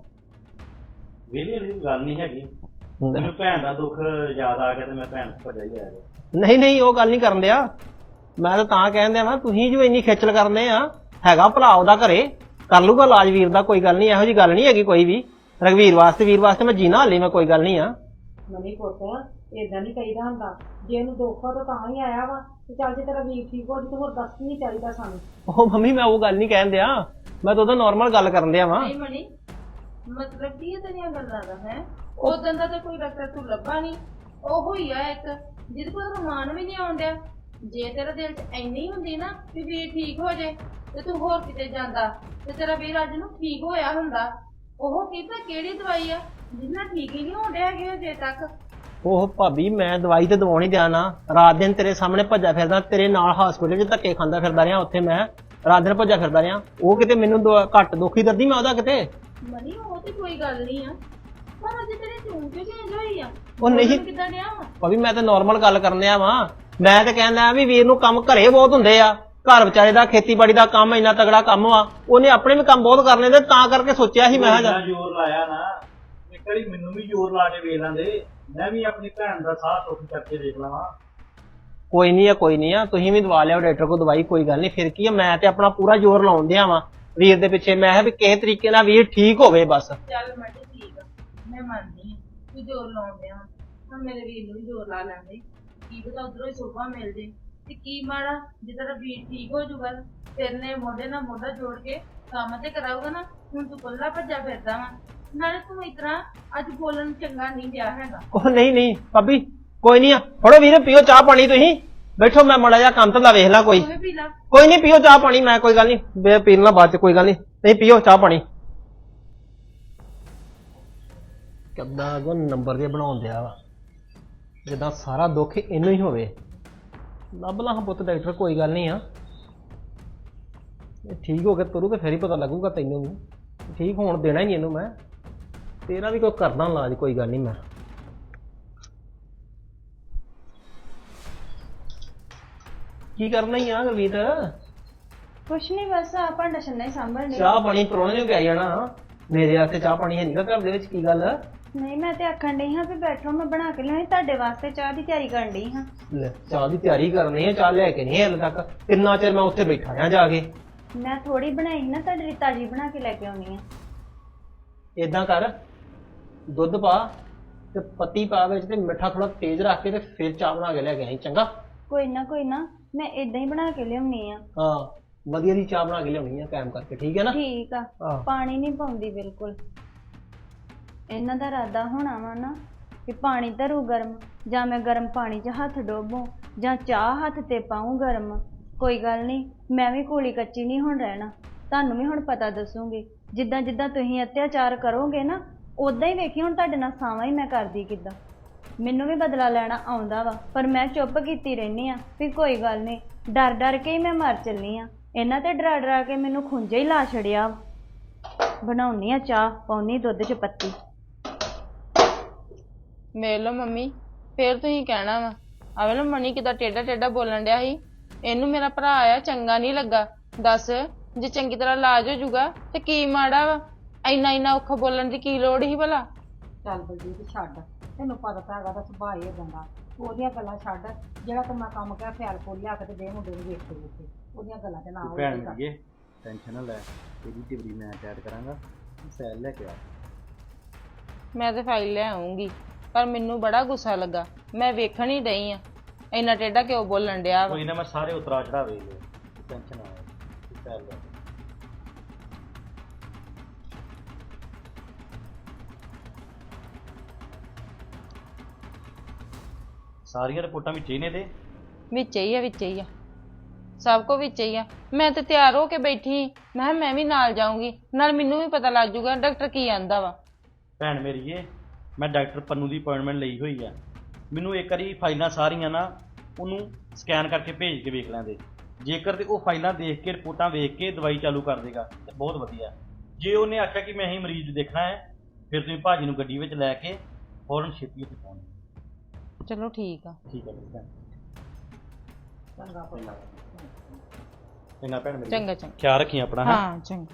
A: ਵੇਲੇ ਵਾਲੀ ਗੱਲ ਨਹੀਂ ਹੈਗੀ। ਮੈਨੂੰ ਭੈਣ ਦਾ ਦੁੱਖ ਯਾਦ ਆ ਗਿਆ ਤੇ ਮੈਂ ਭੈਣ ਤੋਂ ਭੱਜਿਆ ਹੀ ਆਇਆ।
E: ਨਹੀਂ ਨਹੀਂ, ਉਹ ਗੱਲ ਨਹੀਂ ਕਰਨ ਦਿਆ। ਮੈਂ ਤਾਂ ਤਾਂ ਕਹਿਣ ਦਿਆ ਨਾ, ਤੁਸੀਂ ਜੋ ਇੰਨੀ ਖੇਚਲ ਕਰਨੇ ਆ, ਹੈਗਾ ਭਲਾ ਉਹਦਾ ਘਰੇ, ਕਰ ਲੂਗਾ ਇਲਾਜ ਵੀਰ ਦਾ। ਕੋਈ ਗੱਲ ਨਹੀਂ, ਇਹੋ ਜੀ ਗੱਲ ਨਹੀਂ ਹੈਗੀ ਕੋਈ ਵੀ। ਰਘਵੀਰ ਵਾਸਤੇ, ਵੀਰ ਵਾਸਤੇ ਮੈਂ ਜੀਣਾ ਹਾਲੇ ਮੈਂ, ਕੋਈ ਗੱਲ ਨਹੀਂ ਆ।
B: ਮਨੀ ਪੁੱਤ ਏਦਾਂ ਨਹੀਂ ਕਹੀਦਾ ਹੁੰਦਾ। ਜੇ ਉਹਨੂੰ ਦੁੱਖ ਆ ਤਾਂ ਤਾਂ ਹੀ ਆਇਆ ਵਾ ਤੇ ਚੱਲ ਜੇ ਤੇਰਾ ਵੀਰ ਠੀਕ ਹੋ ਜੇ ਤਾਂ ਹੋਰ ਦੱਸ ਨਹੀਂ ਚਾਹੀਦਾ ਸਾਨੂੰ।
E: ਉਹ ਮੰਮੀ ਮੈਂ ਉਹ ਗੱਲ ਨਹੀਂ ਕਹਿਣ ਦਿਆ, ਮੈਂ ਤਾਂ ਉਹਦਾ ਨੋਰਮਲ ਗੱਲ ਕਰਨ ਦਿਆ ਵਾਂ।
D: ਨਹੀਂ ਮਣੀ, ਮਤਲਬ ਕੀ ਹੈ ਤੇਰੀਆਂ ਗੱਲਾਂ ਦਾ? ਹੈ ਉਦੋਂ ਦਾ ਤਾਂ ਕੋਈ ਡਾਕਟਰ ਤੂੰ ਲੱਭਾ ਨਹੀਂ। ਉਹ ਹੀ ਆ ਇੱਕ ਜਿਹਦੇ ਕੋਲ ਰਮਾਨ ਵੀ ਨਹੀਂ ਆਉਂਦਿਆ। ਜੇ ਤੇਰਾ ਦਿਲ 'ਚ ਇੰਨੀ ਹੁੰਦੀ ਨਾ ਕਿ ਵੀਰ ਠੀਕ ਹੋ ਜੇ ਤੇ ਤੂੰ ਹੋਰ ਕਿਤੇ ਜਾਂਦਾ ਤੇ ਤੇਰਾ ਵੀਰ ਅੱਜ ਨੂੰ ਠੀਕ ਹੋਇਆ ਹੁੰਦਾ। ਉਹ ਕਿਤਾ ਕਿਹੜੀ ਦਵਾਈ ਆ ਜਿਹਦੇ ਨਾਲ ਠੀਕ ਹੀ ਨਹੀਂ ਹੋਣਦੇ ਹੈਗੇ ਅਜੇ ਤੱਕ।
E: ਉਹ ਭਾਬੀ ਮੈਂ ਦਵਾਈ ਤੇ ਦਵਾਉਣੀ ਦਿਆ ਨਾ, ਰਾਤ ਦਿਨ ਤੇਰੇ ਸਾਹਮਣੇ ਭੱਜਾ ਫਿਰਦਾ, ਤੇਰੇ ਨਾਲ ਹਸਪੀਟਲ 'ਚ ਧੱਕੇ ਖਾਂਦਾ ਫਿਰਦਾ ਰਿਹਾ। ਉੱਥੇ ਮੈਂ ਰਾਤ ਦਿਨ ਭੱਜਾ ਫਿਰਦਾ ਰਿਹਾ। ਉਹ ਕਿਤੇ ਮੈਨੂੰ ਦੁਆ- ਘੱਟ ਦੁਖੀ ਦਰਦੀ ਮੈਂ ਉਹਦਾ ਕਿਤੇ।
D: ਮਨੀ ਉਹ ਤੇ ਕੋਈ ਗੱਲ ਨਹੀਂ ਆ, ਪਰ ਅਜੇ ਤੇਰੇ ਚੂੰ ਕਿਉਂ ਚੇਂਜ ਹੋਈ ਆ?
E: ਉਹ ਨਹੀਂ
D: ਕਿੱਦਾਂ ਡਿਆ ਵਾ?
E: ਭਾਬੀ ਮੈਂ ਤਾਂ ਨੋਰਮਲ ਗੱਲ ਕਰਨ ਦਿਆ ਵਾਂ। ਮੈਂ ਤਾਂ ਕਹਿੰਦਾ ਵੀ ਵੀਰ ਨੂੰ ਕੰਮ ਘਰੇ ਬਹੁਤ ਹੁੰਦੇ ਆ। ਘਰ ਵਿਚਾਰੇ ਦਾ ਖੇਤੀਬਾੜੀ ਦਾ ਕੰਮ ਇੰਨਾ ਤਗੜਾ ਕੰਮ ਆ, ਉਹਨੇ ਆਪਣੇ ਵੀ ਕੰਮ ਬਹੁਤ ਕਰਨੇ ਤੇ ਤਾਂ ਕਰਕੇ ਸੋਚਿਆ ਸੀ ਮੈਂ ਕਿਹਾ
A: ਇੰਨਾ ਜ਼ੋਰ ਲਾਇਆ ਨਾ, ਇੱਕ ਵਾਰੀ ਮੈਨੂੰ ਵੀ ਜ਼ੋਰ ਲਾ ਕੇ ਵੇਖ ਲੈਂਦੇ, ਮੈਂ ਵੀ ਆਪਣੀ ਭੈਣ ਦਾ ਸਾਹ ਸੁੱਖ ਕਰਕੇ ਦੇਖ ਲਵਾਂ।
E: ਕੋਈ ਨਹੀਂ ਆ, ਕੋਈ ਨਹੀਂ ਆ। ਤੁਸੀਂ ਵੀ ਦਵਾ ਲਿਆਓ ਡਾਕਟਰ ਕੋਲ ਦਵਾਈ, ਕੋਈ ਗੱਲ ਨਹੀਂ। ਫਿਰ ਕੀ ਆ, ਮੈਂ ਤੇ ਆਪਣਾ ਪੂਰਾ ਜ਼ੋਰ ਲਾਉਣ ਦਿਆ ਵਾਂ ਵੀਰ ਦੇ ਪਿੱਛੇ। ਮੈਂ ਕਿਹਾ ਵੀ ਕਿਸੇ ਤਰੀਕੇ ਨਾਲ ਵੀਰ ਠੀਕ ਹੋਵੇ ਬਸ।
D: ਚੱਲ ਮੈਂ ਤੇ ਠੀਕ ਆ, ਮੈਂ ਮੰਨਦੀ ਆ ਤੂੰ ਜ਼ੋਰ ਲਾਉਂਦੇ ਆ। ਹੁਣ ਮੇਰੇ ਵੀਰ ਨੂੰ ਵੀ ਜ਼ੋਰ ਲਾ ਲੈਂਦੇ, ਕੀ ਪਤਾ ਉਧਰੋਂ ਹੀ ਸੋਭਾ ਮਿਲ ਜੇ। ਤੇ ਕੀ ਮਾੜਾ ਜੇ ਤੇਰਾ ਵੀਰ ਠੀਕ ਹੋ ਜਾਊਗਾ, ਫਿਰ ਨੇ ਮੋਢੇ ਨਾਲ ਮੋਢਾ ਜੋੜ ਕੇ ਕੰਮ ਤੇ ਕਰਾਊਗਾ ਨਾ। ਹੁਣ ਤੂੰ ਕੱਲਾ ਭੱਜਾ ਫਿਰਦਾ ਵਾ, ਨਾਲੇ ਤੂੰ ਇਸ ਤਰ੍ਹਾਂ ਅੱਜ ਬੋਲਣ ਚੰਗਾ ਨਹੀਂ ਗਿਆ ਹੈਗਾ।
E: ਉਹ ਨਹੀਂ ਨਹੀਂ ਭਾਬੀ, ਕੋਈ ਨਹੀਂ ਆ। ਫੜੋ ਵੀਰ, ਪੀਓ ਚਾਹ ਪਾਣੀ। ਤੁਸੀਂ ਬੈਠੋ, ਮੈਂ ਮਾੜਾ ਜਿਹਾ ਕੰਮ ਧੰਦਾ ਵੇਖ ਲਾਂ ਕੋਈ।
D: ਤੂੰ ਵੀ ਪੀ ਲਾ।
E: ਕੋਈ ਨਹੀਂ, ਪੀਓ ਚਾਹ ਪਾਣੀ। ਮੈਂ ਕੋਈ ਗੱਲ ਨਹੀਂ, ਬੇ ਪੀ ਲੈਣਾ ਬਾਅਦ ਚ, ਕੋਈ ਗੱਲ ਨਹੀਂ। ਨਹੀਂ ਪੀਓ ਚਾਹ ਪਾਣੀ। ਕਿੱਦਾਂ ਅਗੋਂ ਨੰਬਰ ਜੇ ਬਣਾਉਣ ਦਿਆ ਵਾ, ਜਿੱਦਾਂ ਸਾਰਾ ਦੁੱਖ ਇਹਨੂੰ ਹੀ ਹੋਵੇ। ਲੱਭ ਲਾਂ ਪੁੱਤ ਡਾਕਟਰ, ਕੋਈ ਗੱਲ ਨਹੀਂ ਆ। ਇਹ ਠੀਕ ਹੋ ਕੇ ਤੁਰੂ ਤੇ ਫਿਰ ਹੀ ਪਤਾ ਲੱਗੂਗਾ ਤੈਨੂੰ ਵੀ। ਠੀਕ ਹੋਣ ਦੇਣਾ ਹੀ ਨਹੀਂ ਇਹਨੂੰ ਮੈਂ। ਤੇਰਾ ਵੀ ਕੋਈ ਕਰਦਾ ਇਲਾਜ, ਕੋਈ ਗੱਲ ਨਹੀਂ। ਮੈਂ ਕੀ ਕਰਨਾ ਹੀ ਆ ਗਵੀਤ?
C: ਕੁਛ ਨਹੀਂ, ਬਸ ਆ ਭਾਂਡਾ ਛੰਨਾ ਹੀ ਸਾਂਭਣ ਡਈ।
E: ਚਾਹ ਪਾਣੀ ਪਰੋਣੇ ਨੂੰ ਪਿਆਈ ਜਾਣਾ। ਮੇਰੇ ਵਾਸਤੇ ਚਾਹ ਪਾਣੀ ਹੈ ਨਹੀਂਗਾ ਘਰ ਦੇ ਵਿੱਚ, ਕੀ ਗੱਲ?
C: ਨਹੀਂ ਮੈਂ ਤੇ ਆਖਣ ਡਈ ਹਾਂ ਵੀ ਬੈਠੋ, ਮੈਂ ਬਣਾ ਕੇ ਲਿਆਈ ਤੁਹਾਡੇ ਵਾਸਤੇ ਚਾਹ ਦੀ ਤਿਆਰੀ ਕਰਨ ਡਈ ਹਾਂ।
E: ਲੈ, ਚਾਹ ਦੀ ਤਿਆਰੀ ਕਰਨੀ ਹੈ, ਚਾਹ ਲੈ ਕੇ ਨਹੀਂ ਹਾਲੇ ਤੱਕ। ਕਿੰਨਾ ਚਿਰ ਮੈਂ ਉੱਥੇ ਬੈਠਾ ਆ ਜਾ ਕੇ।
C: ਮੈਂ ਥੋੜੀ ਬਣਾਈ ਸੀ ਨਾ, ਤੁਹਾਡੇ ਲਈ ਤਾਜੀ ਬਣਾ ਕੇ ਲੈ ਕੇ ਆਉਣੀ ਆ।
E: ਏਦਾਂ ਕਰ, ਦੁੱਧ ਪਾ ਤੇ ਪੱਤੀ ਪਾ ਵਿੱਚ ਤੇ ਮਿੱਠਾ ਥੋੜਾ ਤੇਜ਼ ਰੱਖ ਕੇ ਤੇ ਫਿਰ ਚਾਹ ਬਣਾ ਕੇ ਲੈ ਕੇ ਆਈ, ਚੰਗਾ?
C: ਕੋਈ ਨਾ ਕੋਈ ਨਾ, ਮੈਂ ਇਦਾਂ ਹੀ ਬਣਾ ਕੇ ਲਿਆਉਣੀ ਆ।
E: ਹਾਂ, ਵਧੀਆ ਦੀ ਚਾਹ ਬਣਾ ਕੇ ਲਿਆਉਣੀ ਆ ਕਾਇਮ ਕਰਕੇ, ਠੀਕ ਹੈ ਨਾ?
C: ਠੀਕ ਆ।
E: ਹਾਂ।
C: ਪਾਣੀ ਨਹੀਂ ਪਾਉਂਦੀ ਬਿਲਕੁਲ। ਇਹਨਾਂ ਦਾ ਇਰਾਦਾ ਹੋਣਾ ਵਾ ਨਾ ਕਿ ਪਾਣੀ ਧਰੂ ਗਰਮ, ਜਾਂ ਮੈਂ ਗਰਮ ਪਾਣੀ 'ਚ ਹੱਥ ਡੋਬੂੰ, ਜਾਂ ਚਾਹ ਹੱਥ ਤੇ ਪਾऊं ਗਰਮ। ਕੋਈ ਗੱਲ ਨਹੀਂ, ਮੈਂ ਵੀ ਕੋਲੀ ਕੱਚੀ ਨਹੀਂ ਹੁਣ ਰਹਿਣਾ। ਤੁਹਾਨੂੰ ਵੀ ਹੁਣ ਪਤਾ ਦੱਸੂਗੀ। ਜਿੱਦਾਂ ਜਿੱਦਾਂ ਤੁਸੀਂ ਅਤਿਆਚਾਰ ਕਰੋਗੇ ਨਾ, ਉਦਾਂ ਹੀ ਵੇਖੀ ਹੁਣ ਤੁਹਾਡੇ ਨਾਲ ਸਾਵਾਂ ਹੀ ਮੈਂ ਕਰਦੀ ਕਿੱਦਾਂ। ਮੈਨੂੰ ਵੀ ਬਦਲਾ ਲੈਣਾ ਆਉਂਦਾ ਵਾ, ਪਰ ਮੈਂ ਚੁੱਪ ਕੀਤੀ ਰਹਿੰਦੀ ਆ ਵੀ ਕੋਈ ਗੱਲ ਨਹੀਂ, ਡਰ ਡਰ ਕੇ ਹੀ ਮੈਂ ਮਰ ਚੱਲੀ ਆ। ਇਹਨਾਂ ਤੇ ਡਰਾ ਡਰਾ ਕੇ ਮੈਨੂੰ ਖੁੰਝੇ ਹੀ ਲਾ ਛੜਿਆ। ਬਣਾਉਣੀ ਆ ਚਾਹ, ਪਾਉਣੀ ਦੁੱਧ 'ਚ ਪੱਤੀ।
D: ਵੇਖ ਲਓ ਮੰਮੀ, ਫੇਰ ਤੁਸੀਂ ਕਹਿਣਾ ਵਾ ਆ ਵੇਖ ਲਓ ਮਣੀ ਕਿਦਾਂ ਟੇਢਾ ਟੇਢਾ ਬੋਲਣ ਡਿਆ ਸੀ। ਇਹਨੂੰ ਮੇਰਾ ਭਰਾ ਆ ਚੰਗਾ ਨਹੀਂ ਲੱਗਾ। ਦੱਸ, ਜੇ ਚੰਗੀ ਤਰ੍ਹਾਂ ਇਲਾਜ ਹੋ ਜਾਊਗਾ ਤੇ ਕੀ ਮਾੜਾ ਵਾ? ਇੰਨਾ ਇੰਨਾ ਔਖਾ ਬੋਲਣ ਦੀ ਕੀ ਲੋੜ ਸੀ ਭਲਾ?
B: ਚੱਲ ਬਲਜੀਤ ਛੱਡ, ਤੈਨੂੰ ਪਤਾ ਤਾਂ ਹੈਗਾ ਤਾਂ ਸੁਭਾਅ ਹੀ ਏਦਾਂ ਦਾ। ਉਹਦੀਆਂ ਗੱਲਾਂ ਛੱਡ, ਜਿਹੜਾ ਤੂੰ ਮੈਂ ਕੰਮ ਕਿਹਾ ਫੈਲ ਫੁੱਲ ਲਿਆ ਕੇ ਤੇ ਦੇ ਮੁੰਡੇ ਨੂੰ ਵੇਖ ਕੇ ਵੇਖੇ, ਉਹਦੀਆਂ ਗੱਲਾਂ ਤੇ ਨਾ
A: ਤੂੰ
B: ਹੋ
A: ਭੈਣ ਮੇਰੀਏ ਟੈਨਸ਼ਨ ਨਾ ਲੈ, ਤੇਰੀ ਟਿਬਰੀ ਮੈਂ ਟੈਟ ਕਰਾਂਗਾ, ਤੂੰ ਫੈਲ ਲੈ ਕੇ ਆ।
D: ਮੈਂ ਤੇ ਫਾਈਲ ਲੈ ਆਉਂਗੀ, ਪਰ ਮੈਨੂੰ ਬੜਾ ਗੁੱਸਾ ਲੱਗਾ। ਮੈਂ ਵੇਖਣ ਹੀ ਡਈ ਆ ਇੰਨਾ ਟੇਢਾ ਕਿਉਂ ਬੋਲਣ ਡਿਆ ਵਾ।
A: ਕੋਈ ਨਾ, ਮੈਂ ਸਾਰੇ ਉਤਰਾ ਚੜਾਵੇ ਲਏ, ਟੈਨਸ਼ਨ ਨਾ ਲੈ, ਤੂੰ ਫੈਲ ਲੈ। ਸਾਰੀਆਂ ਰਿਪੋਰਟਾਂ ਵਿੱਚ ਹੀ ਨੇ ਤੇ
D: ਵਿੱਚ ਹੀ ਆ, ਵਿੱਚ ਹੀ ਆ, ਸਭ ਕੁਝ ਵਿੱਚ ਹੀ ਆ। ਮੈਂ ਤੇ ਤਿਆਰ ਹੋ ਕੇ ਬੈਠੀ, ਮੈਂ ਕਿਹਾ ਮੈਂ ਵੀ ਨਾਲ ਜਾਊਂਗੀ, ਨਾਲ ਮੈਨੂੰ ਵੀ ਪਤਾ ਲੱਗ ਜਾਊਗਾ ਡਾਕਟਰ ਕੀ ਆਂਦਾ ਵਾ।
A: ਭੈਣ ਮੇਰੀਏ, ਮੈਂ ਡਾਕਟਰ ਪੰਨੂ ਦੀ ਅਪਾਇੰਟਮੈਂਟ ਲਈ ਹੋਈ ਆ। ਮੈਨੂੰ ਇੱਕ ਵਾਰੀ ਫਾਈਲਾਂ ਸਾਰੀਆਂ ਨਾ ਉਹਨੂੰ ਸਕੈਨ ਕਰਕੇ ਭੇਜ ਕੇ ਵੇਖ ਲੈਂਦੇ। ਜੇਕਰ ਤੇ ਉਹ ਫਾਈਲਾਂ ਦੇਖ ਕੇ ਰਿਪੋਰਟਾਂ ਵੇਖ ਕੇ ਦਵਾਈ ਚਾਲੂ ਕਰ ਦੇਗਾ ਤੇ ਬਹੁਤ ਵਧੀਆ। ਜੇ ਉਹਨੇ ਆਖਿਆ ਕਿ ਮੈਂ ਹੀ ਮਰੀਜ਼ ਦੇਖਣਾ ਹੈ, ਫਿਰ ਤੁਸੀਂ ਭਾਜੀ ਨੂੰ ਗੱਡੀ ਵਿੱਚ ਲੈ ਕੇ ਫੌਰਨ ਛੇਤੀ ਉੱਥੇ ਪਹੁੰਚ ਜਾਓ।
D: ਚਲੋ ਠੀਕ ਆ।
A: ਠੀਕ ਹੈ ਭੈਣ।
B: ਚੰਗਾ ਪੁੱਤ।
A: ਚੰਗਾ ਭੈਣ ਮੇਰੀ,
D: ਚੰਗਾ ਚੰਗਾ।
A: ਖਿਆਲ ਰੱਖੀ ਆਪਣਾ। ਹੈਂ?
D: ਹਾਂ ਚੰਗਾ।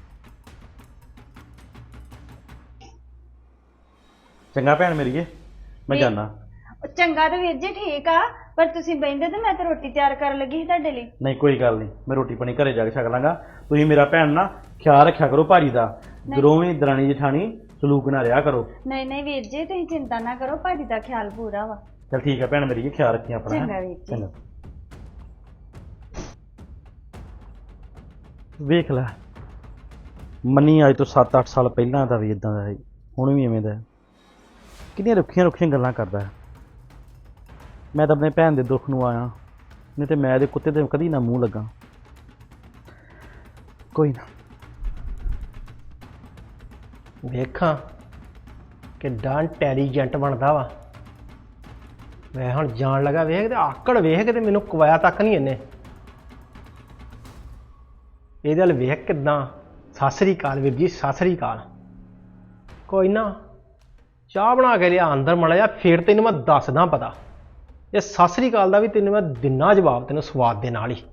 A: ਚੰਗਾ ਭੈਣ ਮੇਰੀਏ, ਮੈਂ ਜਾਣਾ।
C: ਚੰਗਾ ਤਾਂ ਵੀਰ ਜੀ ਠੀਕ ਆ, ਪਰ ਤੁਸੀਂ ਬਹਿੰਦੇ ਤੇ ਮੈਂ ਤਾਂ ਰੋਟੀ ਤਿਆਰ ਕਰਨ ਲੱਗੀ ਸੀ ਤੁਹਾਡੇ ਲਈ।
A: ਨਹੀਂ ਕੋਈ ਗੱਲ ਨਹੀਂ, ਮੈਂ ਰੋਟੀ ਪਾਣੀ ਘਰੇ ਜਾ ਕੇ ਛਕ ਲਾਂਗਾ। ਤੁਸੀਂ ਮੇਰਾ ਭੈਣ ਨਾ ਖਿਆਲ ਰੱਖਿਆ ਕਰੋ ਭਾਜੀ ਦਾ, ਦੋਵੇਂ ਦਰਾਣੀ ਜਠਾਣੀ ਸਲੂਕ ਨਾ ਰਿਹਾ ਕਰੋ।
C: ਨਹੀਂ ਨਹੀਂ ਵੀਰ ਜੀ, ਤੁਸੀਂ ਚਿੰਤਾ ਨਾ ਕਰੋ, ਭਾਜੀ ਦਾ ਖਿਆਲ ਪੂਰਾ ਵਾ।
A: ਚਲ ਠੀਕ ਹੈ ਭੈਣ ਮੇਰੀ, ਖਿਆਲ ਰੱਖੀ ਆਪਣਾ।
C: ਚੰਗਾ ਵੀਰ ਜੀ।
A: ਚੰਗਾ। ਵੇਖ ਲੈ, ਮੰਨੀ ਅੱਜ ਤੋਂ ਸੱਤ ਅੱਠ ਸਾਲ ਪਹਿਲਾਂ ਦਾ ਵੀ ਇਦਾਂ ਦਾ ਹੈ, ਹੁਣ ਵੀ ਐਵੇਂ ਦਾ ਹੈ। ਕਿੰਨੀਆਂ ਰੁੱਖੀਆਂ ਰੁੱਖੀਆਂ ਗੱਲਾਂ ਕਰਦਾ ਹੈ। ਮੈਂ ਤਾਂ ਆਪਣੇ ਭੈਣ ਦੇ ਦੁੱਖ ਨੂੰ ਆਇਆ, ਨਹੀਂ ਤੇ ਮੈਂ ਇਹਦੇ ਕੁੱਤੇ ਤੇ ਕਦੀ ਨਾ ਮੂੰਹ ਲੱਗਾ। ਕੋਈ ਨਾ,
E: ਵੇਖਾਂ ਕਿੱਡਾ ਇੰਟੈਲੀਜੈਂਟ ਬਣਦਾ ਵਾ। ਮੈਂ ਹੁਣ ਜਾਣ ਲੱਗਾ, ਵੇਖ ਤੇ ਆਕੜ ਵੇਖ ਕੇ ਤੇ ਮੈਨੂੰ ਕਵਾਇਆ ਤੱਕ ਨਹੀਂ ਇਹਨੇ। ਇਹਦੇ ਵੱਲ ਵੇਖ ਕਿੱਦਾਂ। ਸਤਿ ਸ੍ਰੀ ਅਕਾਲ ਵੀਰ ਜੀ, ਸਤਿ ਸ੍ਰੀ ਅਕਾਲ। ਕੋਈ ਨਾ, ਚਾਹ ਬਣਾ ਕੇ ਲਿਆ ਅੰਦਰ ਮਾੜਾ ਜਿਹਾ, ਫਿਰ ਤੈਨੂੰ ਮੈਂ ਦੱਸਦਾ ਪਤਾ। ਇਹ ਸਤਿ ਸ੍ਰੀ ਅਕਾਲ ਦਾ ਵੀ ਤੈਨੂੰ ਮੈਂ ਦਿਨਾ ਜਵਾਬ, ਤੈਨੂੰ ਸਵਾਦ ਦੇ ਨਾਲ ਹੀ।